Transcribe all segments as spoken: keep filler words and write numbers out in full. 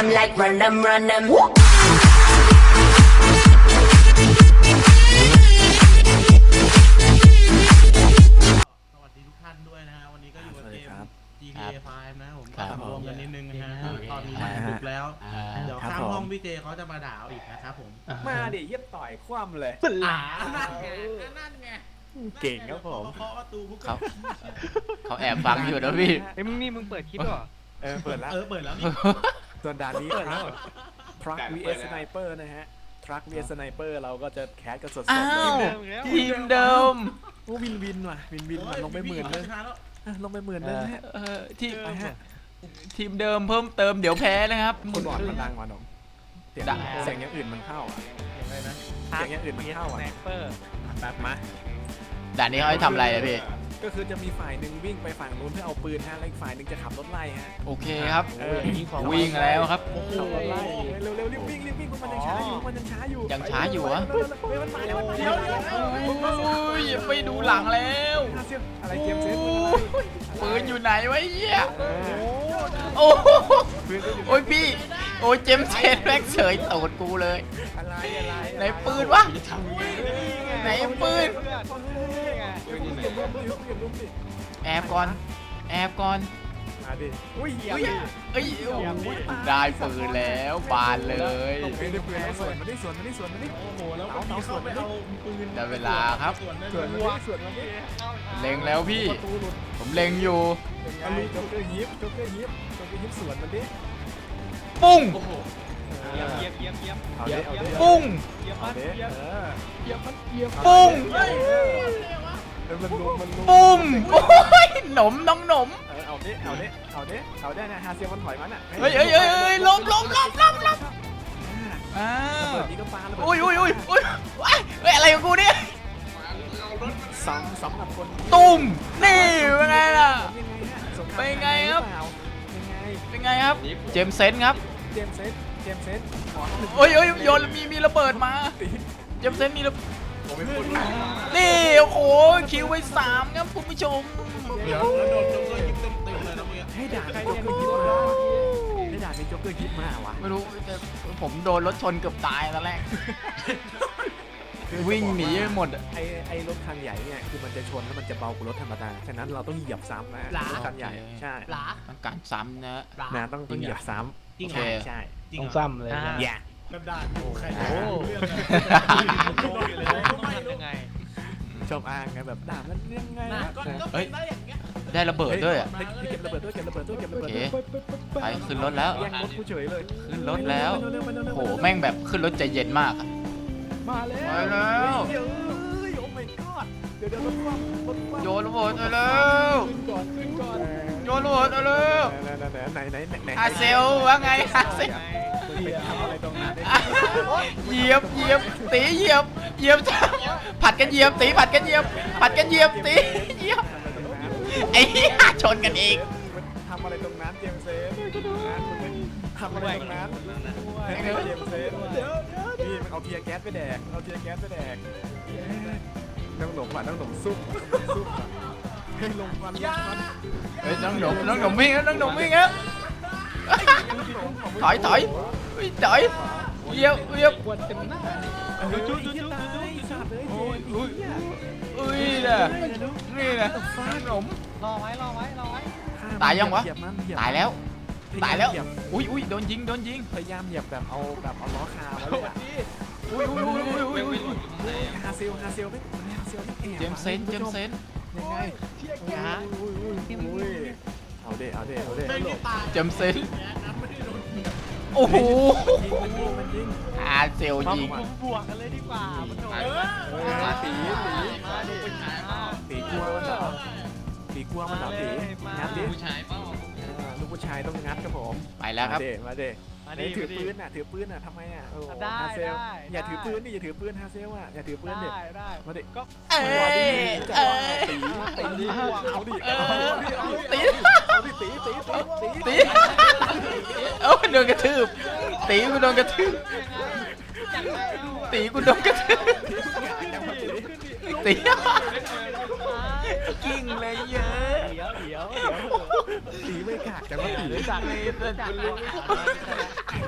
I'm like run them, run them. สวัสดีทุกท่านด้วยนะฮะวันนี้ก็อยู่กับเกม จี ที เอ ไฟว์ นะผมครับรวมกันนิดนึงนะฮะครับตอนนี้มันดึกแล้วอ่าเดี๋ยวครับข้างผมห้องพี่เจเขาจะมาด่าเอาอีกนะครับผมมาดิเย็บต่อยคว่ำเลยอ่านั่นไงนั่นไงเก่งครับผมเคาะประตูพวกเขาเขาแอบฟังอยู่นะพี่ไอ้ยมึงนี่มึงเปิดคลิปเหรอเออเปิดแล้วเออเปิดแล้วนี่ส่วนด่านนี้ทรัค วี เอส Sniper นะฮะทรัค วี เอส Sniper เราก็จะแคสกันสดๆอ้าเลวย ทีมเดิมโอ้วินวินว่ะวินวินว่ะลงไปหมื่นเลยชะแล้วอ่ะลงไปหมื่นเลยนะฮะเออทีมไปฮะทีมเดิมเพิ่มเติมเดี๋ยวแพ้นะครับคนบอดมันดังว่ะน้องเสียงดังเสียงอย่างอื่นมันเข้าอ่ะอะไรนะเสียงอย่างอื่นมันเข้าสอ่ะไนเปอร์แบบมาด่านนี้เขาให้ทำอะไรนะพี่ก็คือจะมีฝ่ายหนึ่งวิ่งไปฝั่งนู้นเพื่อเอาปืนฮะแล้วอีกฝ่ายหนึ่งจะขับรถไล่ฮะโอเคครับเออวิ่งแล้วครับขับรถไล่เร็วเร็วรีบวิ่งรีบวิ่งพวกมันยังช้าอยู่พวกมันยังช้าอยู่ยังช้าอยู่เหรอเร็วเร็วเร็วมันมาแล้วมันมาเดี๋แล้ยววเดี๋ยวโอ้ยไม่ดูหลังแล้วอะไรเกมเซตปืนอยู่ไหนวะเหี้ยเออโอ้โหปืนก็อยู่โอ้ยพี่โอ้ยเจมส์เซนแม็กเฉยตูดกูเลยอะไรอะไรไหนปืนวะไหนปืนเดี๋ยวคุณเปลี่ยนรูปดิเปลี่ยนรูปดิแอบก่อนแอบก่อนมาดิอุ้ยเหี้ยเอ้ยโอ้โหได้ปืนแล้วบานเลยไม่ได้ปืนแล้วสวนมาดิสวนมาดิสวนมาดิโอ้โหแล้ววันนี้เข้าไปเอาปืนได้เวลาครับส่วนนั้นสวนมาดิสวนมาดิเล็งแล้วพี่ประตูหลุดผมเล็งอยู่ยังไงโจ๊กเกอร์ยิปโจ๊กเกอร์ยิปโจ๊กเกอร์ยิปสวนมันดิปุ้งเยี่ยมเยี่ยมเยี่ยมเยี่ยมเอาดิเอาดิปุ้งเยี่ยมเอามากดิเยี่ยมเออเยี่ยมมากเยี่ยมปุ้งเออมันลุมมันลุมปุ้มโอ้ยหนมน้องหนมเออเอาดิเอาดิเอาดิเอาดินะฮาเซียมันถอยมันอ่ะเฮ้ยเฮ้ยเฮ้ยเฮ้ยล้มล้มล้มล้มล้มอ่าระเบิดนี้ก็ปาระเบิดอุ้ยอุ้ยอุ้ยอุ้ยว้ายเฮ้ยอะไรของกูเนี่ยสำสำหรับคนตุ้มนี่เป็นไงล่ะยังไงฮะสงครามเป็นไงครับยังไงเป็นไงครับ เจมส์เซนครับเจมส์เซนเจมส์เซนขอหนึ่งโอ้ยโอ้ยโยนมีมีระเบิดมาตีเจมส์เซนมีระผมเป็นคนนี่โอ้โหคิวไปสามครับคุณผู้ชมเดี๋ยวแล้วโดนโดนก็ยิงเต็มเต็มเลยนะเมื่อกี้ให้ด่าใครโจ๊กเกอร์ยิปมาวะให้ด่าเป็นโจ๊กเกอร์ยิปมาวะไม่รู้แต่ผมโดนรถชนเกือบตายตอนแรก วิ่งหนีไปหมดอะไอไอรถคันใหญ่เนี่ยคือมันจะชนแล้วมันจะเบากว่ารถธรรมดาฉะนั้นเราต้องเหยียบซ้ำนะรถคันใหญ่ใช่หลาต้องการซ้ำนะหลานะต้องต้องเหยียบซ้จริงำเหรอใช่จริงต้องเหรอซ้ำเลยอย่ากระดาษอยู่ใครโอ้เรื่องต้องทำยังไงชอบอ้างไงแบบด่ามันยังไงนะนะก็ก็เป็นได้อย่างเงี้ยได้ระเบิดด้วยอ่ะเฮ้ยเก็บระเบิดด้วยเก็บระเบิดด้วยเก็บระโอเบิดเคด้วยไปขึ้นรถแล้วแย่งรถกูเฉยเลยขึ้นรถแล้วเร็วๆเร็วๆเร็วๆโหแม่งแบบขึ้นรถใจเย็นมากอะมาแล้วไปแล้วเดี๋ยวเอ้ยโอ้ my god เดี๋ยวเดี๋ยวรถคว่ำรถคว่ำโยนระเบิดไปแล้วขึ้นก่อนขึ้นก่อนโยนระเบิดไปแล้วไหนไหนไหนไหนไหนอาเซลว่าไงอาเซลไปทำอะไรตรงนั้นอ่ะเหยียบเหยียบตีเหยียบเหยียบผัดกันเหยียบตีผัดกันเหยียบผัดกันเหยียบตีเหยียบไอ้เหี้ยชนกันเองทำอะไรตรงนั้นเจมส์เซนทำอะไรตรงนั้นเจมส์เซนนี่มันเอาเทียร์แก๊สไปแดกเอาเทียร์แก๊สไปแดกต้องหลงว่ะต้องหลงซุ่มซุ่มว่ะให้ลงควันลงควันเฮ้ยน้องหนุ่มน้องหนุ่มวิ่งแล้วน้องหนุ่มวิ่งแล้วถอยถอยวิ่งถอยเหยียบเหยียบควรเต็มหน้าจุ๊จุ๊จุ๊จุ๊สัตว์เลยโอ้ยโอ้อุ้ยยอุ้ยน่ะนี่นะขนมรอไว้รอไว้รอไว้ตายยังวะเหยียบมันเหยียบตายแล้ว ตายแล้วเหบอุ้ยอุ้ยโดนยิงโดนยิงพยายามเหยียบแบบเอาแบบเอาล้อคาไว้เลยอะอุ้ยอุ้ยอุ้ยอุ้ยอุ้ยอุ้ยฮาเซลฮาเซลไม่ฮาเซลไม่แอบเจมส์เซนเจมส์เซนยังไงอุ้ยอุ้ยอุ้ยเอาเด้เอาเด้เอาเด้ไม่ได้ตายเจมส์เซนนะไม่ได้โดนยิงโอ้โหมันยิงมันยิงอาเซลยิงบวกกันเลยดีกว่ามันโดนเออมาตีตีมาดิตีกลัวมันเหรอตีกลัวมันเหรอตีงัดดิผู้ชายเปล่าลูกผู้ชายต้องงัดครับผมไปแล้วครับมาเด้มาเด้มาเฮ้ดิยถือปืนน่ะถือปืนน่ะทำไมอ่ะโอ้ได้ฮาเซลได้อย่าถือได้ปืนดิอย่าถือปืนฮาเซลอ่ะอย่าถือปืนดิได้ได้มาดิก็เอ้ยมาดิเอ้ยตีตีดิเอาดิเออเอาดิเอาดิตีเอาดิตีตีตีตีตีเอ้าโดนกระทืบตีกูโดนกระทืบตีกูโดนกระทืบตีกิ้งเลยเยอะเดี๋ยวเดี๋ยวตีไม่กากแต่ว่าตีจากเลยจากเลย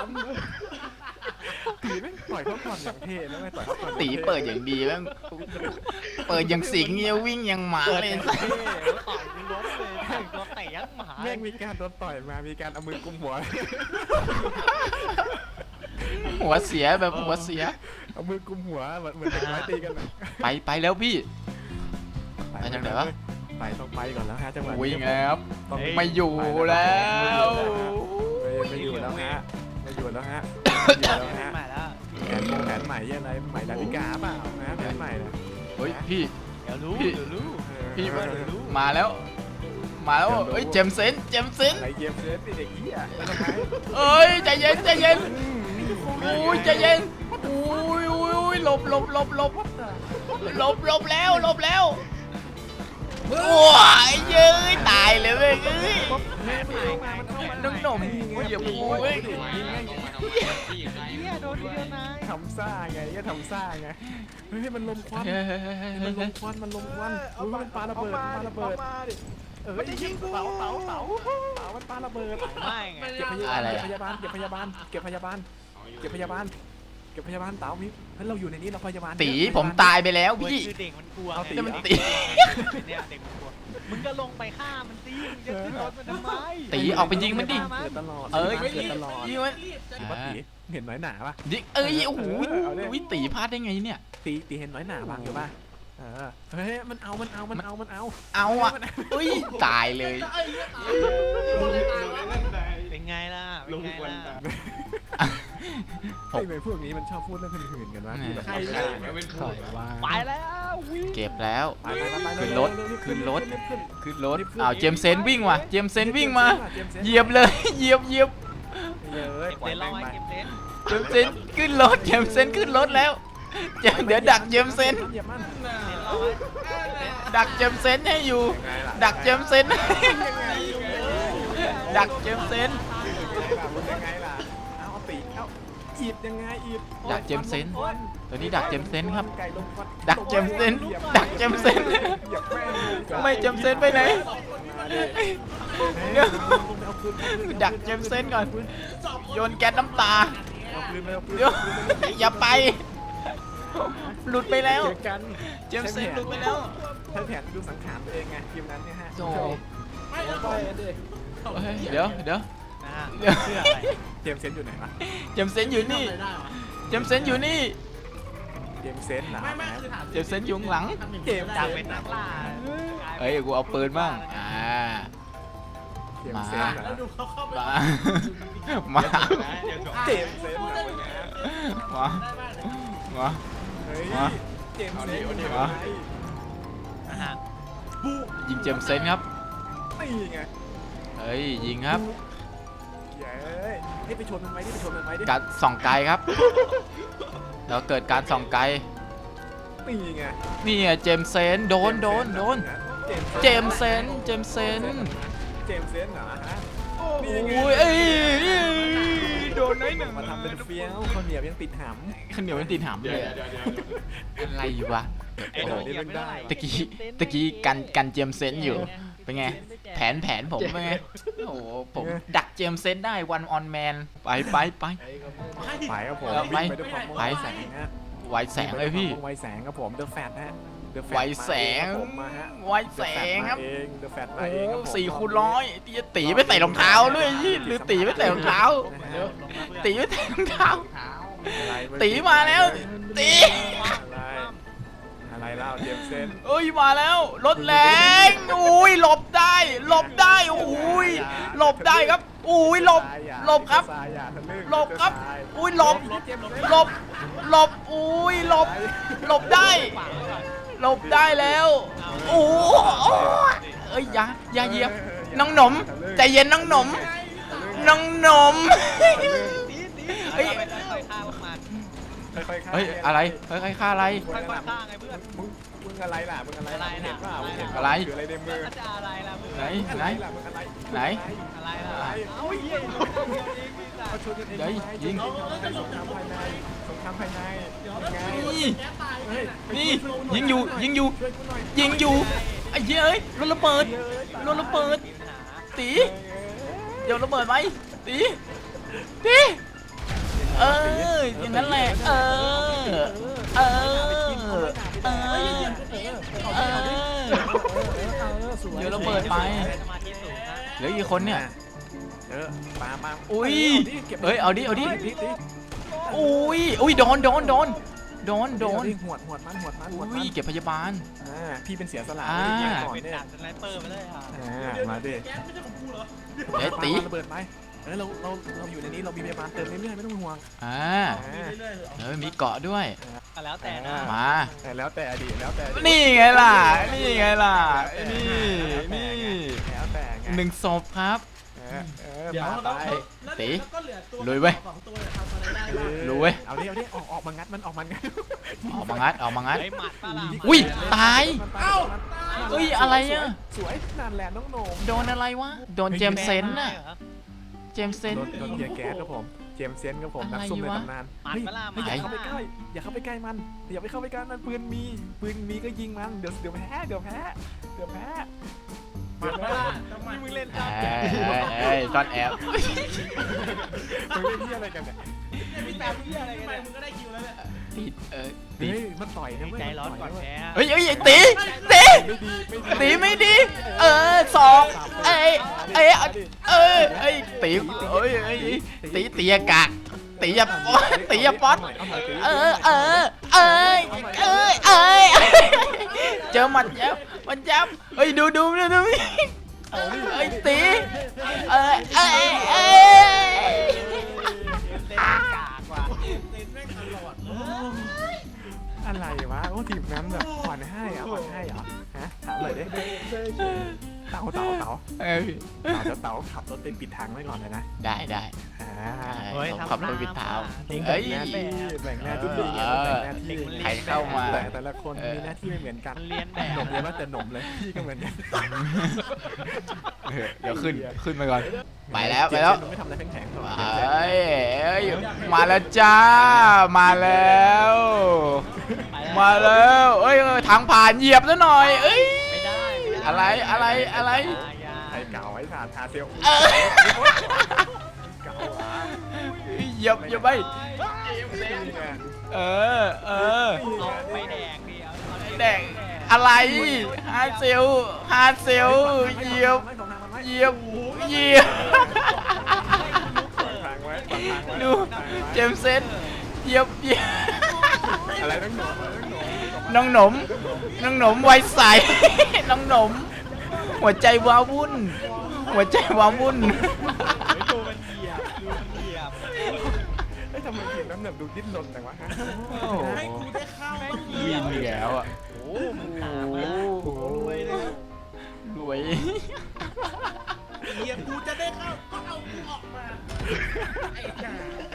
ล้มตีแม่งต่อยเขาก่อนอย่างเท่แล้วไม่ต่อยเขาก่อนตีเปิดอย่างดีแม่งเปิดอย่างสิงเงี้ยวิ่งอย่างหมาเปิดเลยเท่แล้วต่อยกูล้มเลยแต่งตัวเตะยักหมาแม่งมีการโดนต่อยมามีการเอามือกุมหัวหัวเสียแบบหัวเสียเอามือกุมหัวเหมือนเหมือนเด็กน้อยตีกันไปไปแล้วพี่ ไปทางไหนวะไปต้องไปก่อนแล้วฮะจังหวะนี้วิ่งแล้วต้องไม่อยู่แล้วไม่อยู่แล้วฮะไม่อยู่แล้วฮะไม่อยู่แล้วฮะใหม่แล้วแผนแผนใหม่อะไรใหม่ดาวิกาเปล่านะแผนใหม่นะเฮ้ยพี่เดี๋ยวรู้พี่เดี๋ยวรู้พี่เออมาแล้ว มาแล้วเฮ้ยเจมส์เซนเจมส์เซนอะไรเกมเซฟเด็กเหี้ยแล้วทำไมเอ้ยใจเย็นใจเย็นอุ้ยใจเย็นอุ้ยอุ้ยอุ้ยหลบหลบหลบหลบหลบหลบแล้วหลบแล้วโอ้ยเย้ยตายเลยเว้ยเอ้ยน้องหนุ่มอย่าพูดเว้ยเนี่ยโดนทีเดียวนายทำซ่าไงก็ทำซ่าไงเฮ้ยมันลมควันเฮ้ยเฮ้ยเฮ้ยมันลเฮ้ยมควันมันลมควันอุ้ยมันปาระเบิดปาระเบิดเออยิงเต๋าเต๋าเต๋าเต๋ามันปาระเบิดไม่ไงเก็บพยาบาลเก็บพยาบาลเก็บพยาบาลเก็บพยาบาลเก็บพยาบาลเก็บพยาบาลเต๋ามิเฮ้ยเราอยู่ในนี้เราพยาบาลตีผมตายไปแล้วเว้ยพี่คือเด็กมันกลัวเอาตีไงมันตีเนี่ยเด็กมันกลัวมึงก็ลงไปฆ่ามันสิมึงจะขึ้นรถมันทำไมตีออกไปยิงมันดิเกิดตลอดเอ้ยเกิดตลอดยิงมันตีปะตีเห็นน้อยหนาปะยิงเอ้ยโอ้โหเออเอาดิวิตีพลาดได้ไงเนี่ยตีตีเห็นน้อยหนาบางอยู่ป่ะเออเฮ้ยมันเอามันเอามันเอามันเอาเอาอ่ะอุ้ยตายเลยเป็นไงล่ะเป็นไงล่ะไอ้เมย์พวกนี้มันชอบพูดเรื่องหื่นๆกันวะที่แบบใครไม่ใครได้เป็นถผู้อยว่าไปแล้ววิ่งเก็บแล้วไปไปไปไปขึ้นรถเวๆขึ้นรถรีบขึ้นขึ้นรถรีบขึ้นอ้าวเจมส์เซนวิ่งว่ะเจมส์เซนวิ่งมาจส์ซนเหยียบเลย เหยียบเหยียบเหยียบเลยเก็บปล่อเต็ยนท์แม่เรางไว้ไปเก็บเต็นท์เจมส์เซนขึ้นรถเจมส์เซนขึ้นรถแล้วเจมส์เดี๋ยวดักเจมส์เซนเหยียบมันเต็นท์เราไว้เต็นท์ดักเจมส์เซนให้อยู่ยังไงล่ะดักเจมส์เซนดักเจมส์เซนยังไงล่ะเอาเอาตีเอาอีดยังไงอีดดักเจมส์เซนตัวนี้ดักเจมส์เซนครับไก่ลมควันดักเจมส์เซนดักเจมส์เซนเหยียบแม่งเลยไม่เจมส์เซนไปไหนมาดิเดี๋ยวเอาปืนเอาปืนดักเจมส์เซนก่อนโยนแก๊สน้ำตาเอาปืนไปเอาปืนเดี๋ยวอย่าไป หลุดไปแล้วเจอกันเจมส์เซนหลุดไปแล้วใช้แผนดูสังขารตัวเองไงทีมนั้นเนี่ยฮะโธ่ไม่แล้วไปดิเฮ้ยเดี๋ยวเดี๋ยวนะฮะเดี๋ยวเชื่ออะไรเจมส์เซนอยู่ไหนวะเจมส์เซนอยู่นี่ทำอะไรได้วะเจมส์เซนอยู่นี่เจมส์เซนเหรอไม่ไม่คือถามเจมส์เซนอยู่ข้างหลังเจมส์จากเป็นนักล่าเอ้ยกูเอาปืนบ้างอ่าเจมส์เซนเหรแล้วอดูเขาเข้าไปมา มาเจมส์เซนเหรอวะเนี่ยมาได้ไหมมาเฮ้ยมาเจมส์เซนเอาดิอยู่เอาไหดินนะฮะยิงเจมส์เซนครับนี่ไงเฮ้ยยิงครับเย้ยให้ไปชนมันไหมดิไปชนมันไหมดิการส่องไกลครับแล้วเกิดการส่องไกลนี่ไงนี่ไงเจมส์เซนโดนโดนโดนเจมส์เซนเจมส์เซนเจมส์เซนเหรอฮะโอ้นี่ไงยเอ้ยโดนน้อยหนึ่งมาทำเป็นเฟี้ยวข้าวเหนียวยังติดหข้าวเหนียวมันติดหามเลยอะไรวะไอ้โดนเหยียบไม่ได้ตะกี้ตะกี้กันกันเจมส์เซนอยู่เป็นไง แผนแผนผมเป็นไงโอ้โหผมดักเจมส์เซนได้วันออนแมนไปไปไปำไปครับผมเอาไปวิ่งไปด้วยความไปไวแสงฮะไวแสงเลยพี่ไวแสงครับผมเดอะแฟตฮะ The Fat ไวแสงมาเอครับผมมาฮะไวแสงครับเอง The Fat มาโอ้เองครับผมสี่คูณร้อยตีตีไม่ใส่รองเท้าด้วยยี่หรือตีไม่ใส่รองเท้าลงมาเพื่อนตีไม่ใส่รองเท้าอะไรตีมาแล้วตีอะไรอะไรเล่าเจมส์เซนเอ้ยมาแล้วรถแรงอุ้ยหลบได้หลบได้อุ้ยหลบได้ครับอุ้ยหลบหลบครับทรายอย่าทะลึ่งหลบครับทรายอุ้ยหลบเจมส์เซนหลบหลบอุ้ยหลบหลบได้ขวางไว้ก่อนหลบได้แล้วโอ้โหเอ้ยอย่าอย่าเหยียบน้องหนมใจเย็นน้องหนมน้องหนมตีตีเฮ้ยไปค่อยๆฆ่าพวกมันค่อยๆฆ่าเฮ้ยอะไรเฮ้ยใครฆ่าอะไรค่อยๆฆ่าไงเพื่อนมึงมึงอะไรล่ะมึงอะไรล่ะอะไรมึงเห็นเปล่ามึงเห็นเปอะไรล่าถืออะไรในมือแล้วจะอะไรล่ะมึงไหนอะไหนรล่ะมึงอะไรไหนอะไรล่ะอะไรเอ้าเหี้ยลงเดียวเองพี่สัเขาตว์ชวนกันเองเฮ้ยยิงสงครามภายในสงครามภายในยังไงนี่แกตายเฮ้ยนี่ยิงอยู่ยิงอยู่ช่วยกูหน่อยยิงอยู่ไอ้เหี้ยเอ้ยรถระเบิดรถระเบิดมีปัญหาตีเดี๋ยวระเบิดไหมตีตีเอออย่างนั้นแหละเออเออเออเออเดี๋ยวระเบิดไปสมาธิสูงนะเหลือกี่คนเนี่ยเออปาปาอุ้ยเก็บเฮ้ยเอาดิเอาดิดิดิอุ้ยอุ้ยโดนโดนโดนโดนโดนหวดหวดมันหวดมันหวดอุ้มัยนเก็บพยาบาลอ่าพี่เป็นเสียสละอ่าไม่ได้ยิงก่อนเป็นเนี่ยดาบสไนเปอร์ไปเลยอ่ะอ่ามาดิแก๊สไม่ใช่ของกูเหรอเดี๋ยวตีปาระเบิดไปเออเราเราเราอยู่ในนี้เรามีพยาบาลเติมเรื่อยๆไม่ต้องห่วงอ่าอ่าเรื่อยๆเหรอเออมีเกาะด้วยก็แล้วแต่นะมาแต่แล้วแต่อดีตแล้วแต่อดีตนี่ไงล่ะ นี่ไงล่ะ นี่ นี่แล้วแต่ไงหนึ่งศพครับเออเออเดี๋ยวปาเราไปแล้วตีแล้วก็เหลือตัวลุยเว้ยสองตัวเนี่ยทำอะไรได้บ้างรู้เว้ยเอาดิเอาดิออกออกมางัดมันออกมางัดออกมางัดออกมางัดไอ้หมัดป้าล่ะอุ้ยตายเอ้าเอ้ยอะไรอะสวยนั่นแหละน้องโหน่งโดนอะไรวะ โดนเจมส์เซนน่ะ เจมส์เซนโดนโดนเทียร์แก๊สครับผม เจมส์เซนครับผม นักซุ่มในตำนานหมัดเฮ้ยป้าล่ะหเฮ้มัยดอย่าเข้าไปใกล้ อย่าเข้าไปใกล้มัน อย่าไปเข้าไปใกล้มัน ปืนมี ปืนมีก็ยิงมัน เดี๋ยวเดี๋ยวแพ้ เดี๋ยวแพ้ เดี๋ยวแพ้หมัดมาล่ะต้องหมัดมึงเล่นเอ้ยเอ้ยเอ้ยตอนแอบมึงเล่นที่อะไรกันเนี่ยเนี่ยพี่แต่มึงอะไรกันเนี่ยมึงก็ได้คิวแล้วเนี่ยติดเออเฮ้ติดยมันต่อยนะเว้ยใจร้อนก่อนแพ้เฮ้ยเฮ้ยไอ้ตีตีไม่ดีไม่ดีตีไม่ดี เออสองเอ้ยเอ้ยเอ้ยเอ้ยตีเอ้ยเอ้ยตีตีอากาศตีอย่าตีอย่าป๊อตเออเออเอ้ยเอ้ยเอ้ยเจอหมัดยับมันยับเฮ้ยดูดูดูดูเอ้ยตีเอ้ยเอ้ยเอ้ยเล่นกากว่ะเต้นแม่งตลอดเลยอะไรวะ โอ้ทีมนั้นแบบผ่อนให้เหรอ่ะผ่อนให้เหรอฮะ ถามเลยดิเต๋าเต๋าเต๋าเอ้ยเต๋าจะเต๋าขับรถไปปิดทางไว้ก่อนเลยนะได้ได้อ่าเฮ้ยขับรถวิดเท้าเด็กเอ้ยแม่แบบแบ่งหน้าที่ดีไงแบ่งหน้าที่ใครเข้ามาแต่แต่ละคนมีหน้าที่ไม่เหมือนกันมันเรียนแบบหนมเรียกว่าแต่หนมเลยพี่ก็เหมือนกันเออเดี๋ยวขึ้นขึ้นไปก่อน ไปแล้วไปแล้วเจมส์ไม่ทำอะไรแข็งๆหรอกเอ้ยเอ้ยมาแล้วจ้า มาแล้ว มาแล้วเอ้ยเออทางผ่านเหยียบซะหน่อย เอ้ยไม่ได้ม่ด้อะไรอะไรอะไรอย่าใครเก่าไว้สาดทาเซลเออเก่าหวะเหยียบเหยียบไป เออเออเอาไปแดกดิเอาเอาไปแดกอะไรฮาเซลฮาเซลเหยียบเหยียบเหยียบทางไว้ทางไว้ดูเจมส์เซนเหยียบเหยียบอะไรต้องหนมต้องหนมน้องหนมน้องหนมไวใส น้องหนม หัวใจว้าวุ่น หัวใจว้าวุ่นดูมันเหยียบดูมันเหยียบเฮ้ยทำไมทีมน้ำหนักดูดิ้นรนจังวะฮะให้กูได้เข้าต้องวิ่งแล้วอ่ะโอ้มึงขาดมากโอ้รวยเลยรวยเฮียกูจะได้เข้าก็เอากูออกมาไอ้ห่า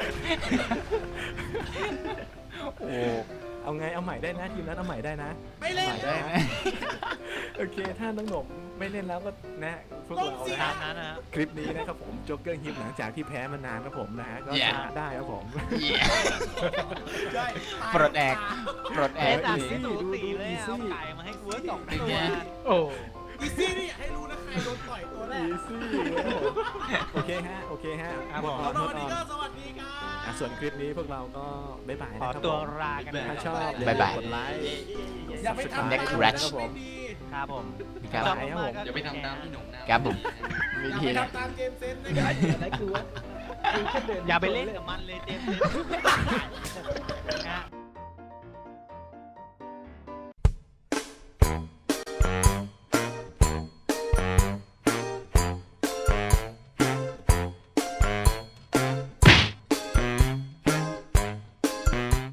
โอ้เอาไงเอาใหม่ได้นะทีมนั้นเอาใหม่ได้นะไม่เล่นได้ไหมโอเคถ้าน้องหนมไม่เล่นแล้วก็นะพวกเราตานะมนั้นนะฮะคลิปนี้นะครับผมโจ๊กเกอร์ฮิปหลังจากที่แพ้มานานครับผมนะฮะก็ชนะได้ครับผมเหี้ยใช่ปลดแอกปลดแอเอ๊ะกจากดิที่สูสีเลยอะเอาไก่มาให้กูสองเป็นตัวไงโอ้อีซี่นี่อยากให้รู้นะใครโดนต่อยตัวแรอีกซี่โอเคฮะโอเคฮะครับผมแล้ววันนี้ก็สวัสดีครัอ่ะบส่วนคลิปนี้พวกเราก็บ๊ายบายขอนะครับตัวผมลากันนะถ้าคชรับอบบ๊ายบายกดไลค์อย่าไปทำ Next ตาม Ratch ไม่ดีครับผมครับชอบมากๆก็อย่าไปทำตามพี่หนุ่มนะครับผมอวิย่าธีไปนะทำตามเกมเซนนะครับอย่าไปเล่นกับมันเลยเจมส์